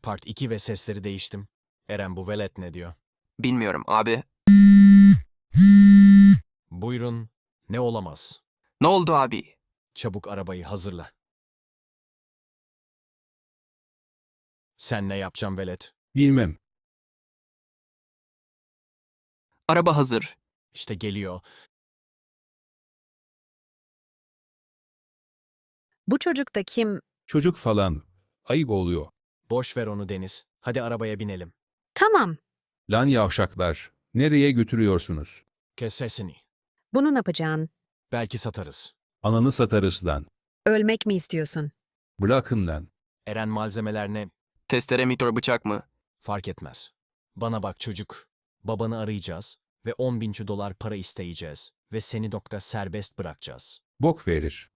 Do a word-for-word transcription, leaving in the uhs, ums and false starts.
Part iki ve sesleri değiştim. Eren bu velet ne diyor? Bilmiyorum abi. Buyurun. Ne olamaz. Ne oldu abi? Çabuk arabayı hazırla. Sen ne yapacaksın velet? Bilmem. Araba hazır. İşte geliyor. Bu çocuk da kim? Çocuk falan. Ayıp oluyor. Boş ver onu Deniz. Hadi arabaya binelim. Tamam. Lan yavşaklar. Nereye götürüyorsunuz? Kes sesini. Bunu ne yapacaksın? Belki satarız. Ananı satarız lan. Ölmek mi istiyorsun? Bırakın lan. Eren malzemeler ne? Testere mitör bıçak mı? Fark etmez. Bana bak çocuk. Babanı arayacağız ve on bin dolar para isteyeceğiz ve seni nokta serbest bırakacağız. Bok verir.